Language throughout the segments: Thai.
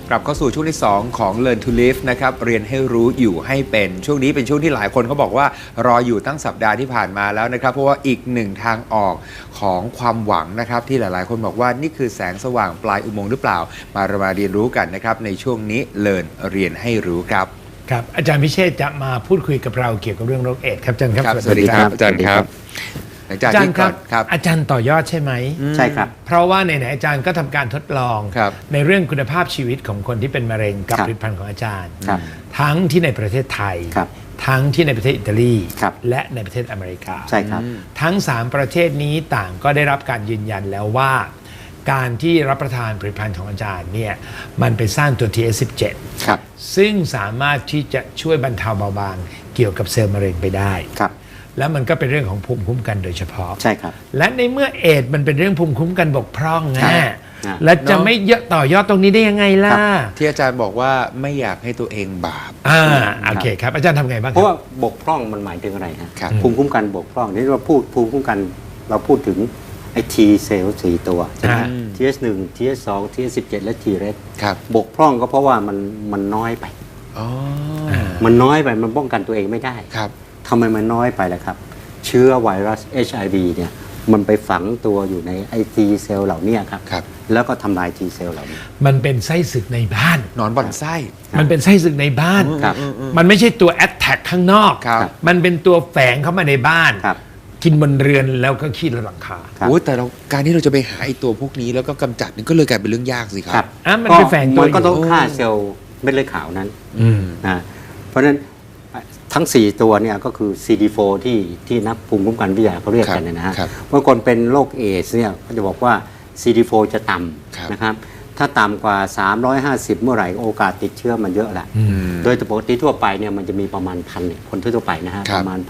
กลับเข้าสู่ช่วงที่ 2 ของ Learn to Live นะครับเรียนให้รู้อยู่ให้เป็นช่วงนี้เป็นช่วงที่หลายคนเขาบอกว่ารออยู่ตั้งสัปดาห์ที่ผ่านมาแล้วนะครับเพราะว่าอีกหนึ่งทางออกของความหวังนะครับที่หลายๆคนบอกว่านี่คือแสงสว่างปลายอุโมงค์หรือเปล่ามาเรียนรู้กันนะครับในช่วงนี้ Learn เรียนให้รู้ครับครับอาจารย์พิเชษจะมาพูดคุยกับเราเกี่ยวกับเรื่องโรคเอดส์ครับอาจารย์ครับสวัสดีครับอาจารย์ครับอาจารย์ครับอาจารย์ต่อยอดใช่ไหมใช่ครับเพราะว่าไหนๆอาจารย์ก็ทำการทดลองในเรื่องคุณภาพชีวิตของคนที่เป็นมะเร็งกับผลิตภัณฑ์ของอาจารย์ทั้งที่ในประเทศไทยทั้งที่ในประเทศอิตาลีและในประเทศอเมริกาใช่ครับทั้ง3ประเทศนี้ต่างก็ได้รับการยืนยันแล้วว่าการที่รับประทานผลิตภัณฑ์ของอาจารย์เนี่ยมันไปสร้างตัว TS17 ซึ่งสามารถที่จะช่วยบรรเทาเบาบางเกี่ยวกับเซลล์มะเร็งไปได้แล้วมันก็เป็นเรื่องของภูมิคุ้มกันโดยเฉพาะใช่ครับและในเมื่อเอดส์มันเป็นเรื่องภูมิคุ้มกันบกพร่องนะและจะไม่เยอะต่อยอดตรงนี้ได้ยังไงล่ะที่อาจารย์บอกว่าไม่อยากให้ตัวเองบาปโอเคครับอาจารย์ทำไงบ้างเพราะว่าบกพร่องมันหมายถึงอะไรครับภูมิคุ้มกันบกพร่องนี่เราพูดภูมิคุ้มกันเราพูดถึงไอ้ T เซลล์4ตัวใช่ไหม TS1 TS2 TS17 และ T reg บกพร่องก็เพราะว่ามันน้อยไปมันน้อยไปมันป้องกันตัวเองไม่ได้ทำไมมันน้อยไปล่ะครับเชื้อไวรัส HIV เนี่ยมันไปฝังตัวอยู่ในไอ T เซลล์เหล่านี้ครับแล้วก็ทำลาย T เซลล์เหล่านี้มันเป็นไส้ศึกในบ้านนอนบ่อนไส้มันเป็นไส้ศึกในบ้านมันไม่ใช่ตัวแอตแทกข้างนอกมันเป็นตัวแฝงเข้ามาในบ้านกินบนเรือนแล้วก็ขี้หลังคาโอ้แต่การที่เราจะไปหาไอตัวพวกนี้แล้วก็กำจัดนี่ก็เลยกลายเป็นเรื่องยากสิครับมันไปแฝงตัวมันก็ต้องฆ่าเซลล์เม็ดเลือดขาวนั้นเพราะฉะนั้นทั้ง4ตัวเนี่ยก็คือ CD4 ที่นักภูมิคุ้มกันวิทยาเขาเรียกกันนะฮะเมื่อคนเป็นโรคเอดส์เนี่ยเขาจะบอกว่า CD4 จะต่ำนะครับถ้าต่ำกว่า350เมื่อไหร่โอกาสติดเชื้อมันเยอะแหละโดยปกติทั่วไปเนี่ยมันจะมีประมาณ1,000คนทั่วไปนะฮะประมาณ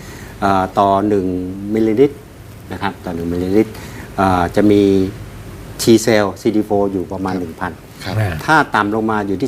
1,000ต่อ1มิลลิลิตรนะครับต่อ1มิลลิลิตรจะมี T เซลล์ CD4 อยู่ประมาณ 1,000 ถ้าต่ำลงมาอยู่ที่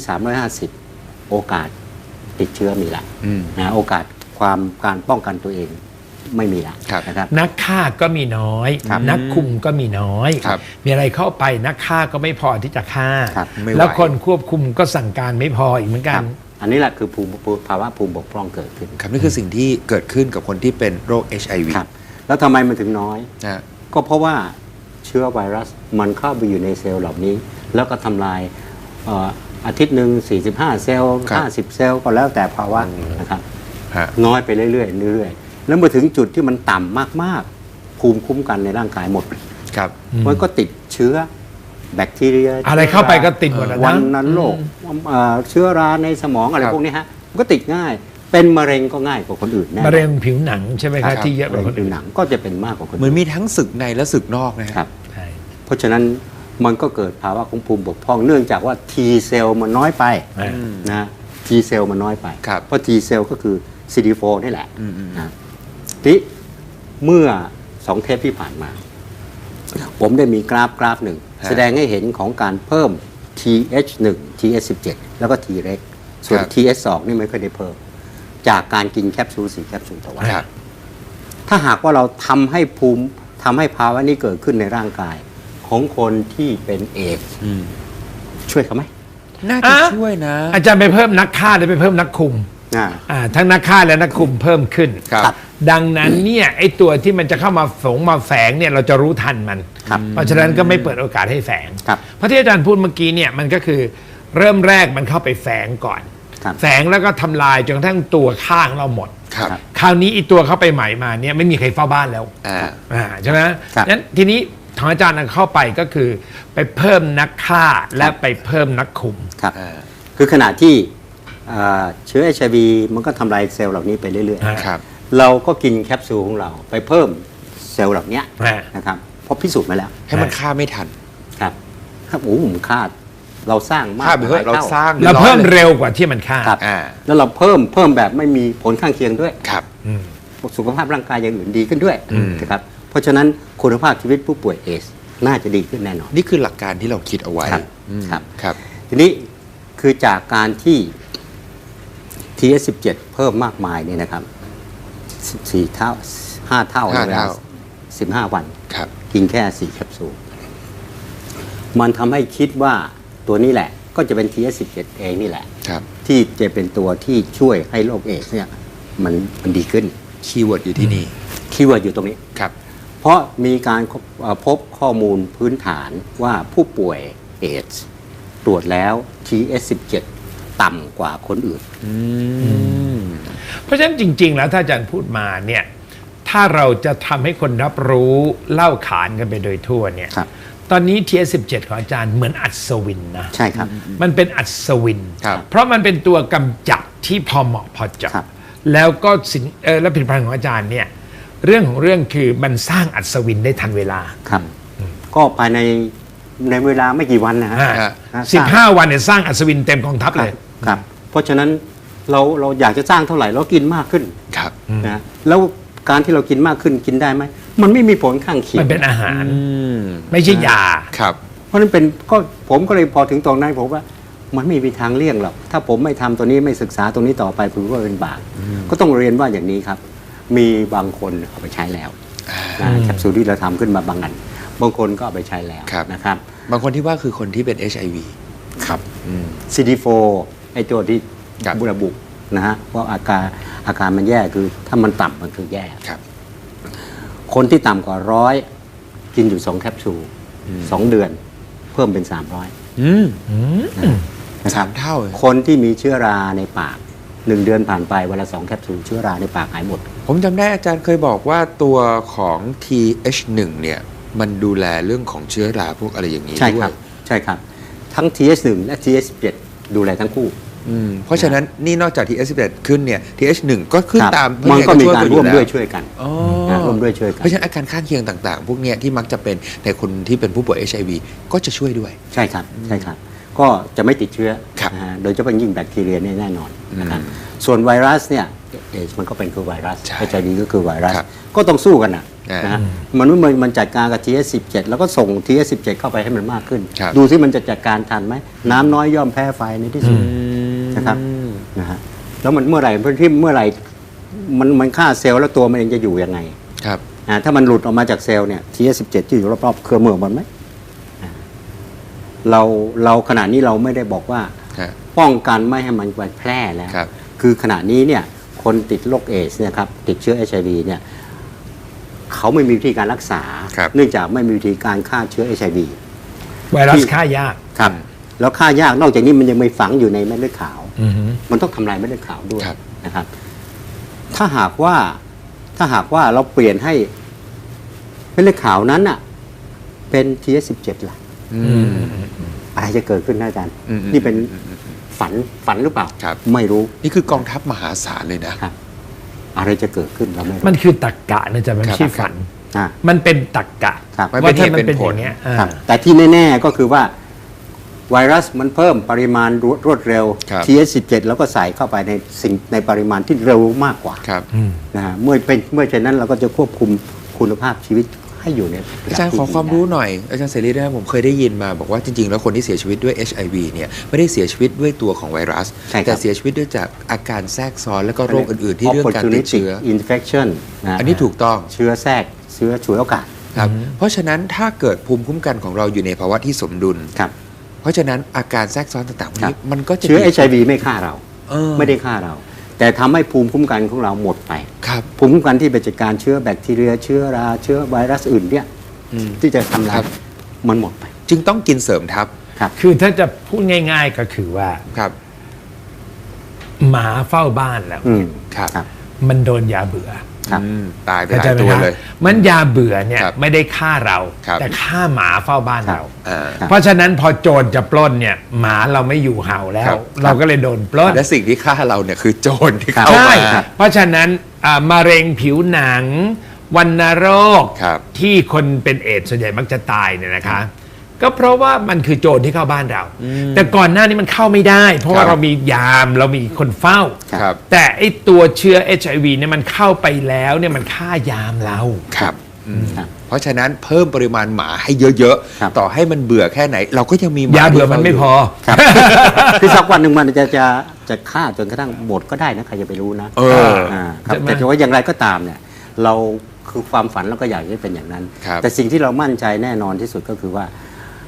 350โอกาสติดเชื้อมีละนะโอกาสการป้องกันตัวเองไม่มีละนะครับนักฆ่าก็มีน้อยนักคุมก็มีน้อยมีอะไรเข้าไปนักฆ่าก็ไม่พอที่จะฆ่าแล้วคนควบคุมก็สั่งการไม่พออีกเหมือนกันอันนี้แหละคือภาวะภูมิบกพร่องเกิดขึ้นครับนี่คือสิ่งที่เกิดขึ้นกับคนที่เป็นโรค HIV ครับแล้วทำไมมันถึงน้อยก็เพราะว่าเชื้อไวรัสมันเข้าไปอยู่ในเซลล์เหล่านี้แล้วก็ทำลายอาทิตย์หนึ่ง45เซลล์50เซลล์ก็แล้วแต่ภาวะนะครับน้อยไปเรื่อยๆแล้วเมื่อถึงจุดที่มันต่ำมากๆภูมิคุ้มกันในร่างกายหมดครับมันก็ติดเชื้อแบคทีเรียอะไรเข้าไปก็ติดหมดวันนั้นโรคเชื้อราในสมองอะไรพวกนี้ฮะมันก็ติดง่ายเป็นมะเร็งก็ง่ายกว่าคนอื่นแน่มะเร็งผิวหนังใช่ไหมครับที่เยอะกว่าคนอื่นหนังก็จะเป็นมากกว่าคนอื่นเหมือนมีทั้งศึกในและศึกนอกนะครับเพราะฉะนั้นมันก็เกิดภาวะของภูมิบกพร่องเนื่องจากว่า T เซลล์มันน้อยไปนะ T เซลล์มันน้อยไปเพราะ T เซลล์ก็คือ CD4 นี่แหละนะที่เมื่อ2เทปที่ผ่านมาผมได้มีกราฟหนึ่งแสดงให้เห็นของการเพิ่ม TH1 TS17 แล้วก็ T reg ส่วน TS2 นี่ไม่ค่อยได้เพิ่มจากการกินแคปซูล4แคปซูลต่อวันถ้าหากว่าเราทำให้ภาวะนี้เกิดขึ้นในร่างกายของคนที่เป็นเอดส์ช่วยเขาไหมน่าจะช่วยนะอาจารย์ไปเพิ่มนักฆ่าหรือไปเพิ่มนักคุมทั้งนักฆ่าและนักคุมเพิ่มขึ้นดังนั้นเนี่ยไอ้ตัวที่มันจะเข้ามามาแฝงเนี่ยเราจะรู้ทันมันเพราะฉะนั้นก็ไม่เปิดโอกาสให้แฝงเพราะที่อาจารย์พูดเมื่อกี้เนี่ยมันก็คือเริ่มแรกมันเข้าไปแฝงก่อนแฝงแล้วก็ทำลายจนกระทั่งตัวข้างเราหมดคราวนี้อีตัวเข้าไปใหม่มาเนี่ยไม่มีใครเฝ้าบ้านแล้วใช่ไหมงั้นทีนี้ทางอาจารย์เข้าไปก็คือไปเพิ่มนักฆ่าและไปเพิ่มนักคุมครับคือขณะที่เชื้อ HIV มันก็ทำลายเซลล์เหล่านี้ไปเรื่อยๆเราก็กินแคปซูลของเราไปเพิ่มเซลล์เหล่านี้นะครับเพราะพิสูจน์มาแล้วให้มันฆ่าไม่ทันครับโอ้โหมันฆ่าเราสร้างมากเราสร้างเราเพิ่มเร็วกว่าที่มันฆ่าแล้วเราเพิ่มแบบไม่มีผลข้างเคียงด้วยสุขภาพร่างกายอย่างอื่นดีขึ้นด้วยนะครับเพราะฉะนั้นคุณภาพชีวิตผู้ป่วยเอดส์น่าจะดีขึ้นแน่นอนนี่คือหลักการที่เราคิดเอาไว้ครับทีนี้คือจากการที่ TS17 เพิ่มมากมายเนี่ยนะครับ4เท่า5เท่าในเวลา15วันกินแค่4แคปซูลมันทำให้คิดว่าตัวนี้แหละก็จะเป็น TS17 เองนี่แหละครับที่จะเป็นตัวที่ช่วยให้โรคเอดส์เนี่ยมันดีขึ้นคีย์เวิร์ดอยู่ที่นี่คีย์เวิร์ดอยู่ตรงนี้ครับเพราะมีการพบข้อมูลพื้นฐานว่าผู้ป่วยเอดส์ตรวจแล้ว TS17 ต่ำกว่าคนอื่นเพราะฉะนั้นจริง ๆ แล้วถ้าอาจารย์พูดมาเนี่ยถ้าเราจะทำให้คนรับรู้เล่าขานกันไปโดยทั่วเนี่ยครับตอนนี้ TS17 ของอาจารย์เหมือนอัศวินนะใช่ครับมันเป็นอัศวินครับเพราะมันเป็นตัวกำจัดที่พอเหมาะพอเจาะครับแล้วก็และผลิตภัณฑ์ของอาจารย์เนี่ยเรื่องของเรื่องคือมันสร้างอัศวินได้ทันเวลาครับ ก็ภายในเวลาไม่กี่วันนะฮะ 15 วันเนี่ยสร้างอัศวินเต็มกองทัพครัเลบยครับ เพราะฉะนั้นเราอยากจะสร้างเท่าไหร่เรากินมากขึ้นครับนะแล้วการที่เรากินมากขึ้นกินได้ไหมมันไม่มีผลข้างเคียงมันเป็นอาหารอืมไม่ใช่ยาครับเพราะฉะนั้นเป็นก็ผมก็เลยพอถึงตรงนั้นผมว่ามันไม่มีทางเลี่ยงหรอกถ้าผมไม่ทำตัวนี้ไม่ศึกษาตรงนี้ต่อไปผมก็เป็นบาปก็ต้องเรียนว่าอย่างนี้ครับ มีบางคนเอาไปใช้แล้วนะแคปซูลที่เราทำขึ้นมาบางอันบางคนก็เอาไปใช้แล้วครับนะครับบางคนที่ว่าคือคนที่เป็น HIV ครับอืม CD4 ไอตัวที่ครับระบุนะฮะว่าอาการมันแย่คือถ้ามันต่ำมันคือแย่ครับคนที่ต่ำกว่า100กินอยู่2แคปซูล2 เดือนเพิ่มเป็น300 อืมนะคสารับมเท่าเลยคนที่มีเชื้อราในปาก1 เดือนผ่านไปวันละ2แคปซูลเชื้อราในปากหายหมดผมจำได้อาจารย์เคยบอกว่าตัวของ TH1 เนี่ยมันดูแลเรื่องของเชื้อราพวกอะไรอย่างนี้ใช่ด้คว รัยบใช่ครับ ทั้ง TS1 และ TS7 ดูแลทั้งคู่เพราะฉะนั้นนี่นอกจาก TH11 ขึ้นเนี่ย TH1 ก็ขึ้นครับตามมันก็มีการเพื่อร่วมนด้วยช่วยกันอ๋อนะร่วมด้วยช่วยกันเพราะฉะนั้นอาการข้างเคียงต่างๆ พวกเนี้ยที่มักจะเป็นในคนที่เป็นผู้ป่วย HIV ก็จะช่วยด้วยใช่ครับใช่ครับ ก็จะไม่ติดเชื้อครับนะฮะโดยเฉพาะยิ่งแบคทีเรียเนี่ยแน่นอนนะครับอืมส่วนไวรัสเนี่ยเอชมันก็เป็นคือไวรัสใช่ HIV ก็คือไวรัสครับก็ต้องสู้กันนะอ่านนะฮะมันจัดการกับ TS17 แล้วก็ส่ง TS17 เข้าไปให้มันมากขึ้นครับดูซิมันจะจัดการทันไหมน้ำน้อยย่อมแพ้ไฟในที่สุดนะครับนะฮะแล้วมันเมื่อไหร่มันฆ่าเซลล์แล้วตัวมันเองจะอยู่ยังไงครับถ้ามันหลุดออกมาจากเซลล์เนี่ย TS17 ที่อยู่รอบๆเครือเมือกมันไหมเราขณะนี้เราไม่ได้บอกว่าครับป้องกันไม่ให้มันไปแพร่แล้วครับคือขณะนี้เนี่ยคนติดโรคเอดส์เนี่ยครับติดเชื้อ HIV เนี่ยเขาไม่มีวิธีการรักษาครับเนื่องจากไม่มีวิธีการฆ่าเชื้อ HIV ไวรัสฆ่ายากครับแล้วฆ่ายากนอกจากนี้มันยังไม่ฝังอยู่ในเม็ดเลือดขาวอือฮึมันต้องทำลายเม็ดเลือดขาวด้วยครับนะครับ ถ้าหากว่าเราเปลี่ยนให้เม็ดเลือดขาวนั้นอ่ะเป็น TS17 ล่ะอืมอะไรจะเกิดขึ้นนะอาจารย์อืมนี่เป็นฝันหรือเปล่าครับไม่รู้นี่คือกองทัพมหาศาลเลยนะครับ อะไรจะเกิดขึ้นเราไม่รู้มันคือตรรกะนะจ๊ะมันไม่ใช่ฝันอ่ามันเป็นตรรกะครับมันเป็ว่านเหถ้าตุมันเป็เป็น นผอลย่างเงี้ยครับแต่ที่แน่ๆก็คือว่าไวรัสมันเพิ่มปริมาณรวดเร็วครับ TS17 แล้วก็ใส่เข้าไปในปริมาณที่เร็วมากกว่าครับนะฮะเมื่อเช่นนั้นเราก็จะควบคุมคุณภาพชีวิตให้อยู่ในระดับอาจารย์ที่ขอความดีรู้ได้หน่อยอาจารย์เสรีได้ผมเคยได้ยินมาบอกว่าจริงๆ แล้วคนที่เสียชีวิตด้วย HIV เนี่ยไม่ได้เสียชีวิตด้วยตัวของไวรัสใช่ครับแต่เสียชีวิตด้วยจากอาการแทรกซ้อนและก็โรคอื่นๆ ที่เรื่องการติดเชื้อ Opportunistic infection นะอันนี้ถูกต้องเชื้อแทรกเชื้อฉวยโอกาสครับเพราะฉะนั้นถ้าเกิดภูมิคุ้มกันของเราอยู่ในภาวะที่สมดุลครับเพราะฉะนั้นอาการแทรกซ้อนต่างๆพวกครันี้บมันก็จะเชื้อดี HIV ไม่ฆ่าเราไม่ไม่ได้ฆ่าเรา แต่ทำให้ภูมิคุ้มกันของเราหมดไปครับภูมิคุ้มกันที่ไปจัดการเชื้อแบคทีเรียเชื้อราเชื้อไวรัสอื่นเนี่ยอืมที่จะทำลาครัยบมันหมดไปจึงต้องกินเสริมทับครับคือถ้าจะพูดง่าย ๆก็คือว่าครับหมาเฝ้าบ้านแล้วครับครับมันโดนยาเบื่อครับตายไปหเข้าลาใจยไหมตัวครับเลยมันยาเบื่อเนี่ยครับไม่ได้ฆ่าเราครับแต่ฆ่าหมาเฝ้าบ้านครับเราอ่าครับเพราะฉะนั้นพอโจรจะปล้นเนี่ยหมาเราไม่อยู่เห่าแล้ครัวบเราก็เลยโดนปล้นและสิ่งที่ฆ่าเราเนี่ยคือโจรที่ครับเข้าใช่มาครับเพราะฉะนั้นมะเร็งผิวหนังวัณโรคครับที่คนเป็นเอดส์ส่วนใหญ่มักจะตายเนี่ยนะคะ ก็เพราะว่ามันคือโจรที่เข้าบ้านเรา แต่ก่อนหน้านี้มันเข้าไม่ได้ เพราะว่าครับเรามียามเรามีคนเฝ้าครับแต่ไอตัวเชื้อ HIV เนี่ยมันเข้าไปแล้วเนี่ยมันฆ่ายามเราครับครับเพราะฉะนั้นเพิ่มปริมาณหมาให้เยอะครับๆ ต่อให้มันเบื่อแค่ไหน เราก็ยังมีหมายาเบื่อมันไม่พอครับ คือสักวันหนึ่งมันจะฆ่าจนกระทั่งหมดก็ได้นะใครจะไปรู้นะเออครับใช่ไหมแต่ว่าอย่างไรก็ตามเนี่ยเราคือความฝันเราก็อยากให้เป็นอย่างนั้นครับแต่สิ่งที่เรามั่นใจแน่นอนที่สุดก็คือว่า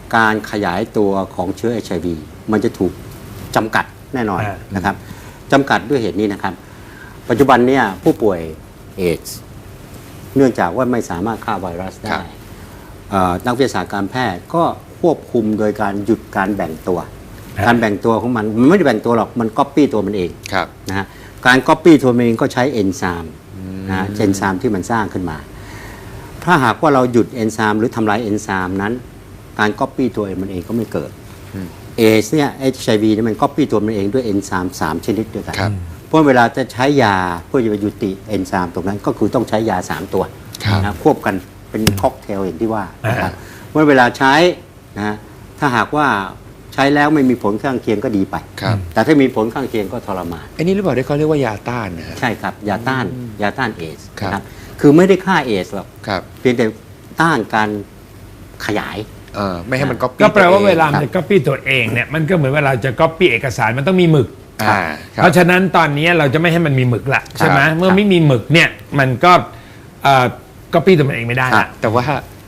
การขยายตัวของเชื้อ HIV มันจะถูกจำกัดแน่นอนนะครับจำกัดด้วยเหตุนี้นะครับปัจจุบันเนี่ยผู้ป่วยเอดส์เนื่องจากว่าไม่สามารถฆ่าไวรัสได้นักวิทยาศาสตร์การแพทย์ก็ควบคุมโดยการหยุดการแบ่งตัว การแบ่งตัวของมันไม่ได้แบ่งตัวหรอกมันก๊อปปี้ตัวมันเองนะฮะการก๊อปปี้ตัวมันเองก็ใช้เอนไซม์นะเอนไซม์ที่มันสร้างขึ้นมาถ้าหากว่าเราหยุดเอนไซม์หรือทำลายเอนไซม์นั้นการก๊อปปี้ตัวมันเองก็ไม่เกิดเอสเนี่ย HIV เนี่ยมันก๊อปปี้ตัวมันเองด้วยเอนไซม์3ชนิดด้วยกันเพราะเวลาจะใช้ยาเพื่อจะไปยุติเอนไซม์ตรงนั้นก็คือต้องใช้ยา3ตัวนะควบกันเป็นค็อกเทลอย่างที่ว่านะครับเมื่อเวลาใช้นะถ้าหากว่าใช้แล้วไม่มีผลข้างเคียงก็ดีไปแต่ถ้ามีผลข้างเคียงก็ทรมานอันนี้หรือเปล่าที่เขาเรียกว่ายาต้านนะใช่ครับยาต้านเอสครับคือไม่ได้ฆ่าเอสหรอกเพียงแต่ต้านการขยายไม่ให้มันก๊อปปี้ก็แปลว่าเวลามันก๊อปปี้ตัวเองเนี่ยมันก็เหมือนเวลาจะก๊อปปี้เอกสารมันต้องมีหมึกเพราะฉะนั้นตอนนี้เราจะไม่ให้มันมีหมึกละใช่ไหมเมื่อไม่มีหมึกเนี่ยมันก็ก๊อปปี้ตัวมันเองไม่ได้ละแต่ว่า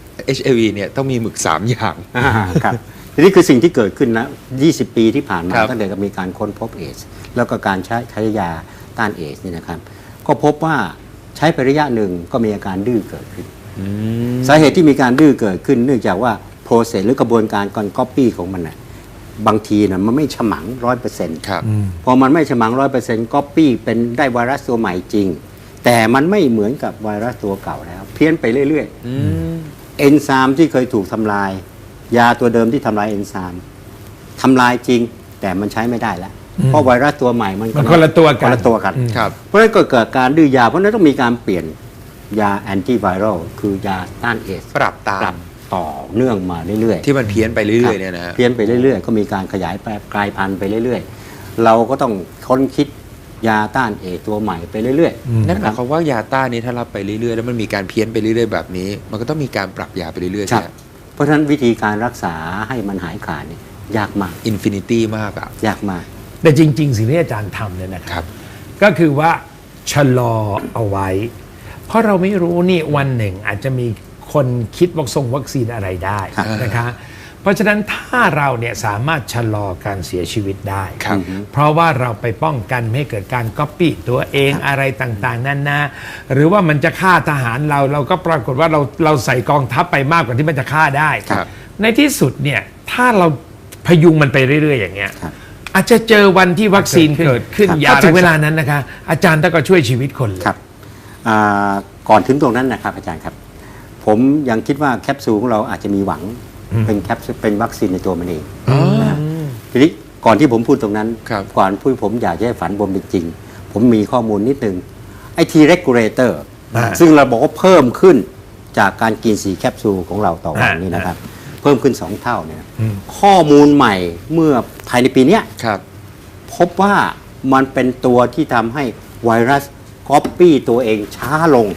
HIV เนี่ยต้องมีหมึก3อย่างครับทีนี้คือสิ่งที่เกิดขึ้นนะ20 ปีที่ผ่านมาตั้งแต่มีการค้นพบเอสแล้วก็การใช้ยาต้านเอสนี่นะครับก็พบว่าใช้ไประยะหนึ่งก็มีอาการดื้อเกิดขึ้นสาเหตุที่มีการดื้อเกิดขึ้นเนื่องจากว่าโปรเซสหรือกระบวนการก๊อปปี้ของมันนะบางทีนะมันไม่ฉมัง 100% พอมันไม่ฉมัง 100% ก๊อปปี้เป็นได้ไวรัสตัวใหม่จริงแต่มันไม่เหมือนกับไวรัสตัวเก่าแล้วเพี้ยนไปเรื่อยๆเอนไซม์ที่เคยถูกทำลายยาตัวเดิมที่ทำลายเอนไซม์ทำลายจริงแต่มันใช้ไม่ได้แล้วเพราะไวรัสตัวใหม่มันคนละตัวกันเพราะฉะนั้นเกิดการดื้อยาเพราะนั้นต้องมีการเปลี่ยนยาแอนตี้ไวรัลคือยาต้านเอสปรับตามต่อเนื่องมาเรื่อยๆที่มันเพี้ยนไปเรื่อยๆเนี่ยนะเพี้ยนไปเรื่อยๆก็มีการขยายกลายพันธุ์ไปเรื่อยๆเราก็ต้องค้นคิดยาต้านเอตัวใหม่ไปเรื่อยๆนั่นหมายความว่ายาต้านนี้ถ้ารับไปเรื่อยๆแล้วมันมีการเพี้ยนไปเรื่อยๆแบบนี้มันก็ต้องมีการปรับยาไปเรื่อยๆใช่เพราะฉะนั้นวิธีการรักษาให้มันหายขาดเนี่ยยากมากอินฟินิตี้มากอะยากมากแต่จริงๆสิ่งที่อาจารย์ทำเนี่ยนะครับก็คือว่าชะลอเอาไว้เพราะเราไม่รู้นี่วันหนึ่งอาจจะมีคนคิดวัคซีนอะไรได้นะคะเพราะฉะนั้นถ้าเราเนี่ยสามารถชะลอการเสียชีวิตได้เพราะว่าเราไปป้องกันไม่ให้เกิดการก๊อปปี้ตัวเองอะไรต่างๆนั่นนะหรือว่ามันจะฆ่าทหารเราก็ปรากฏว่าเราใส่กองทัพไปมากกว่าที่มันจะฆ่าได้ในที่สุดเนี่ยถ้าเราพยุงมันไปเรื่อยๆอย่างเงี้ยอาจจะเจอวันที่วัคซีนเกิดขึ้นยาถึงเวลานั้นนะคะอาจารย์ก็ช่วยชีวิตคนเลยก่อนถึงตรงนั้นนะครับอาจารย์ครับผมยังคิดว่าแคปซูลของเราอาจจะมีหวังเป็นแคปซูลเป็นวัคซีนในตัวมันเองทีนี้ก่อนที่ผมพูดตรงนั้นก่อนพูดผมอยากให้ฝันบนเป็นจริงผมมีข้อมูลนิดนึงไอทีเรกูเลเตอร์ซึ่งเราบอกว่าเพิ่มขึ้นจากการกิน4แคปซูลของเราต่อวันนี้นะครับเพิ่มขึ้น2เท่าเนี่ยข้อมูลใหม่เมื่อภายในปีนี้พบว่ามันเป็นตัวที่ทำให้ไวรัสก๊อปปี้ตัวเองช้าลง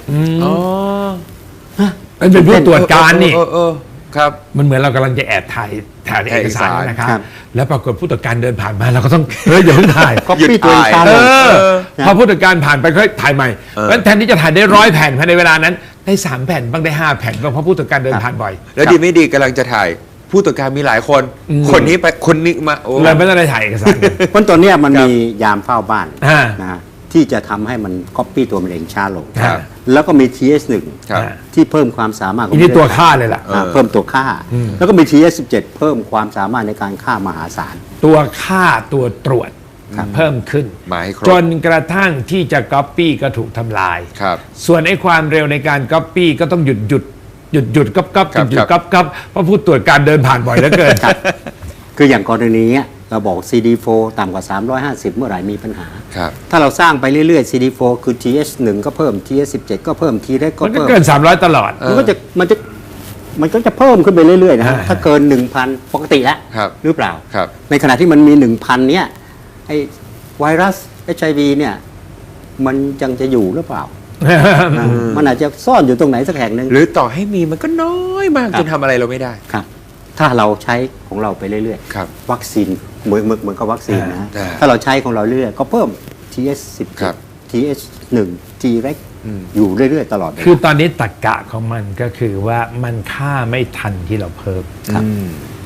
มันเป็นผู้ตรวจการนี่ครับมันเหมือนเรากำลังจะแอบถ่ายเอกสารนะครับแล้วปรากฏผู้ตรวจการเดินผ่านมาเราก็ต้องอย่าเพิ่งถ่ายก๊อปปี้ตัวเองช้าลงพอผู้ตรวจการผ่านไปค่อยถ่ายใหม่แทนที่จะถ่ายได้100 แผ่นภายในเวลานั้นได้3 แผ่นบ้างได้5 แผ่นเพราะผู้ตรวจการเดินผ่านบ่อยแล้วดีไม่ดีกำลังจะถ่ายผู้ตรวจการมีหลายคนคนนี้ไปคนนี้มาเราไม่ต้องได้ถ่ายเอกสารเพราะตัวเนี้ยมันมียามเฝ้าบ้านนะฮะที่จะทำให้มันก๊อปปี้ตัวมันเองช้าลงแล้วก็มี TS1 ที่เพิ่มความสามารถของนี่ตัวฆ่าเลยล่ะเพิ่มตัวฆ่าแล้วก็มี TS17 เพิ่มความสามารถในการฆ่ามหาศาลตัวฆ่าตัวตรวจเพิ่มขึ้นจนกระทั่งที่จะก๊อปปี้ก็ถูกทำลายส่วนไอ้ความเร็วในการก๊อปปี้ก็ต้องหยุดก๊อปเพราะผู้ตรวจการเดินผ่านบ่อยเหลือเกินคืออย่างกรณีนี้เราบอก CD4 ต่ำกว่า350เมื่อไหร่มีปัญหาถ้าเราสร้างไปเรื่อยๆ CD4 คือ TH1 ก็เพิ่ม TH17 ก็เพิ่ม T-REX ก็เพิ่มมันก็เกิน300ตลอดมันก็จะเพิ่มขึ้นไปเรื่อยๆนะฮะถ้าเกิน 1,000 ปกติแล้วหรือเปล่าในขณะที่มันมี 1,000 เนี้ยไอ้ไวรัส HIV เนี่ยมันยังจะอยู่หรือเปล่ามันอาจจะซ่อนอยู่ตรงไหนสักแห่งหนึ่งหรือต่อให้มีมันก็น้อยมากจนทำอะไรเราไม่ได้ครับถ้าเราใช้ของเราไปเรื่อยๆวัคซีนเหมือนกับวัคซีนนะถ้าเราใช้ของเราเรื่อยๆก็เพิ่ม TS10 TH1 T-REX อยู่เรื่อยๆตลอดคือตอนนี้ตรรกะของมันก็คือว่ามันฆ่าไม่ทันที่เราเพิ่ม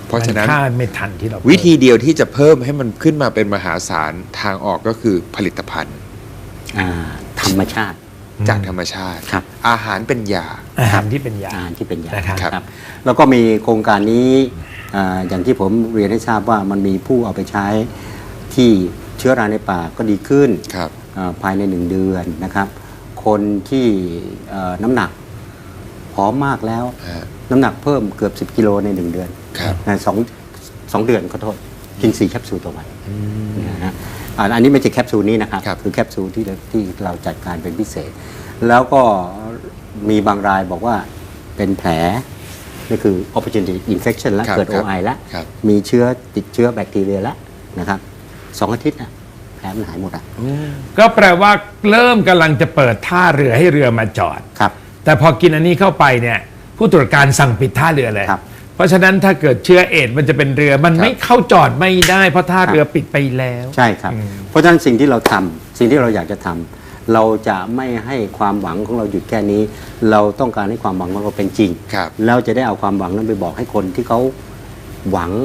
เพราะฉะนั้นค่าไม่ทันที่เราวิธีเดียวที่จะเพิ่มให้มันขึ้นมาเป็นมหาศาลทางออกก็คือผลิตภัณฑ์ธรรมชาติจากธรรมชาติครับอาหารเป็นยาอาหารที่เป็นยาอาหารที่เป็นยานะครับครับแล้วก็มีโครงการนี้อย่างที่ผมเรียนให้ทราบว่ามันมีผู้เอาไปใช้ที่เชื้อราในปากก็ดีขึ้นครับภายใน1 เดือนนะครับ คนที่น้ำหนักผอมมากแล้ว น้ำหนักเพิ่มเกือบ10 กิโลใน1 เดือนครับสองเดือนขอโทษกิน4 แคปซูลต่อวันนะฮะอันนี้ไม่ใช่แคปซูลนี้นะครับครับคือแคปซูลที่เราจัดการเป็นพิเศษ แล้วก็มีบางรายบอกว่าเป็นแผลนี่คือ opportunity infection แล้วครับเกิดครับ OI แล้วครับมีเชื้อติดเชื้อแบคทีเรียแล้วนะครับ2 อาทิตย์นะแผลมันหายหมดอ่ะก็แปลว่าเริ่มกำลังจะเปิดท่าเรือให้เรือมาจอดครับแต่พอกินอันนี้เข้าไปเนี่ยผู้ตรวจการสั่งปิดท่าเรือเลยครับเพราะฉะนั้นถ้าเกิดเชื้อเอดส์มันจะเป็นเรือมันไม่เข้าจอดไม่ได้ เพราะท่าเรือปิดไปแล้วใช่ครับ เพราะฉะนั้นสิ่งที่เราทำสิ่งที่เราอยากจะทำเราจะไม่ให้ความหวังของเราหยุดแค่นี้ เราต้องการให้ความหวังของเราเป็นจริงครับแล้วจะได้เอาความหวังนั้นไปบอกให้คนที่เขาหวัง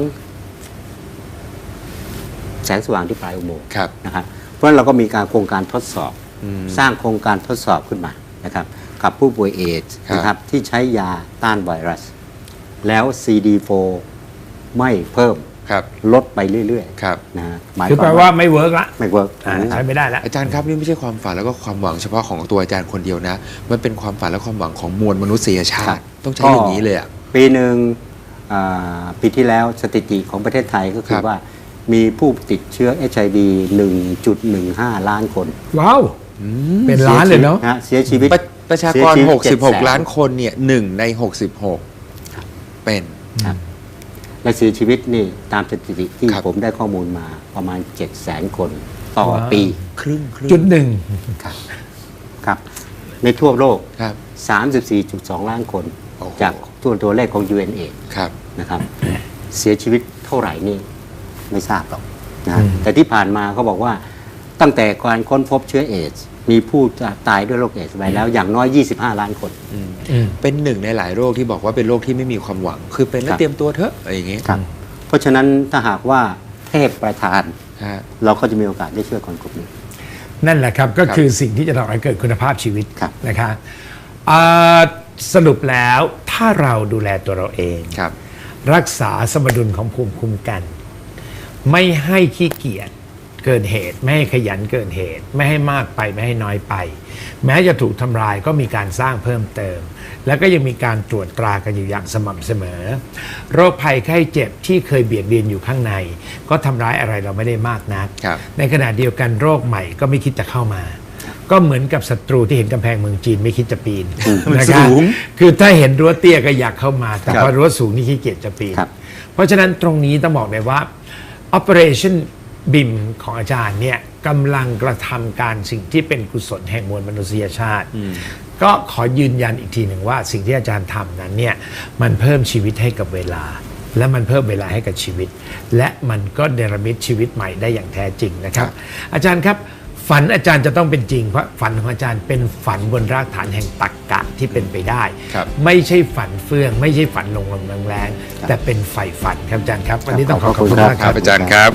แสงสว่างที่ปลายอุโมงค์ครับนะครับเพราะฉะนั้นเราก็มีการโครงการทดสอบ สร้างโครงการทดสอบขึ้นมานะครับกับผู้ป่วยเอดส์นะครับที่ใช้ยาต้านไวรัส แล้ว CD4 ไม่เพิ่มครับลดไปเรื่อยครับๆนะฮะหมายคือคแปลวามว่าว่าไม่เวิร์กละไม่เวิร์กใช้ไม่ได้แล้วอาจารย์ครับนี่ไม่ใช่ความฝันแล้วก็ความหวังเฉพาะของตัวอาจารย์คนเดียวนะ มันเป็นความฝันและความหวังของมวลมนุษยชาติ ต้องใช้อย่างนี้เลยอ่ะปีหนึ่งปีที่แล้วสถิติของประเทศไทยก็คืครัอบ ว่ามีผู้ติดเชื้อ HIV 1.15 ล้านคนว้าว เป็นล้านเลยเนาะเสียชีวิตประชากรเสียชีวิต 66 ล้านคนเนี่ย1 ใน 66 เป็นครับและเสียชีวิตนี่ตามสถิติที่ครับผมได้ข้อมูลมาประมาณ 700,000 คนต่อว้าวปีครึ่งจุดหนึ่งครับในทั่วโลกครับ 34.2 ล้านคนโอ้โหจากตัวเลขของ UNAIDS ครับนะครับ เสียชีวิตเท่าไหร่นี่ไม่ทราบหรอกนะแต่ที่ผ่านมาเขาบอกว่าตั้งแต่การค้นพบเชื้อเอดส์มีผู้ตายด้วยโรคเอดส์ไปแล้วอย่างน้อย 25 ล้านคนเป็นหนึ่งในหลายโรคที่บอกว่าเป็นโรคที่ไม่มีความหวัง คือเป็นแล้วครับเตรียมตัวเถอะอะไรอย่างงี้ครับเพราะฉะนั้นถ้าหากว่าเทพประทานฮะเราก็จะมีโอกาสได้ช่วยคนกลุ่มนี้นั่นแหละครับก็คือสิ่งที่จะทำให้เกิดคุณภาพชีวิตครับนะคะสรุปแล้วถ้าเราดูแลตัวเราเองครับรักษาสมดุลของภูมิคุ้มกัน ไม่ให้ขี้เกียจเกินเหตุ ไม่ให้ขยันเกินเหตุ ไม่ให้มากไปไม่ให้น้อยไป แม้จะถูกทำลายก็มีการสร้างเพิ่มเติม แล้วก็ยังมีการตรวจตรากันอยู่อย่างสม่ำเสมอ โรคภัยไข้เจ็บที่เคยเบียดเบียนอยู่ข้างใน ก็ทำร้ายอะไรเราไม่ได้มากนักครับในขณะเดียวกันโรคใหม่ก็ไม่คิดจะเข้ามา ก็เหมือนกับศัตรูที่เห็นกำแพงเมืองจีนไม่คิดจะปีนนะครับสูงคือถ้าเห็นรั้วเตี้ยก็อยากเข้ามา แต่ครับพอรั้วสูงนี่ขี้เกียจจะปีนครับเพราะฉะนั้นตรงนี้ต้องบอกเลยว่า Operation BIM ของอาจารย์เนี่ยกำลังกระทำการสิ่งที่เป็นกุศลแห่งมวลมนุษยชาติ ก็ขอยืนยันอีกทีหนึ่งว่าสิ่งที่อาจารย์ทำนั้นเนี่ยมันเพิ่มชีวิตให้กับเวลา และมันเพิ่มเวลาให้กับชีวิต และมันก็เนรมิตชีวิตใหม่ได้อย่างแท้จริงนะครับ อาจารย์ครับฝันอาจารย์จะต้องเป็นจริงเพราะฝันของอาจารย์เป็นฝันบนรากฐานแห่งตรรกะที่เป็นไปได้ครับไม่ใช่ฝันเฟื่อง ไม่ใช่ฝันลงแรงๆแต่เป็นใฝ่ฝันครับอาจารย์ครับวันนี้ต้องขอบคุณมากครับอาจารย์ครับ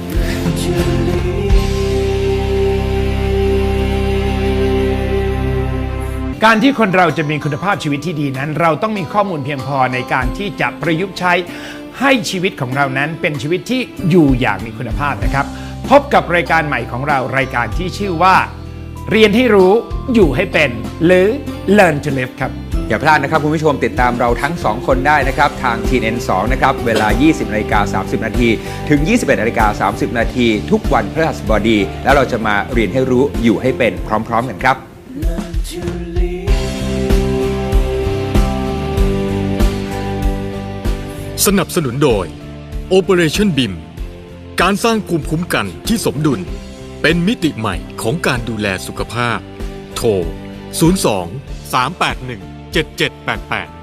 การที่คนเราจะมีคุณภาพชีวิตที่ดีนั้น เราต้องมีข้อมูลเพียงพอในการที่จะประยุกต์ใช้ให้ชีวิตของเรานั้นเป็นชีวิตที่อยู่อย่างมีคุณภาพนะครับ พบกับรายการใหม่ของเรารายการที่ชื่อว่า เรียนให้รู้อยู่ให้เป็นหรือ Learn to Live ครับอย่าพลาดนะครับคุณผู้ชมติดตามเราทั้ง 2 คนได้นะครับ ทาง TNN2 นะครับเวลา 20:30 นาทีถึง 21:30 นาทีทุกวันพฤหัสบดี แล้วเราจะมาเรียนให้รู้อยู่ให้เป็นพร้อมๆกันครับสนับสนุนโดย Operation BIM การสร้างภูมิคุ้มกันที่สมดุลเป็นมิติใหม่ของการดูแลสุขภาพ โทร 02 381 7788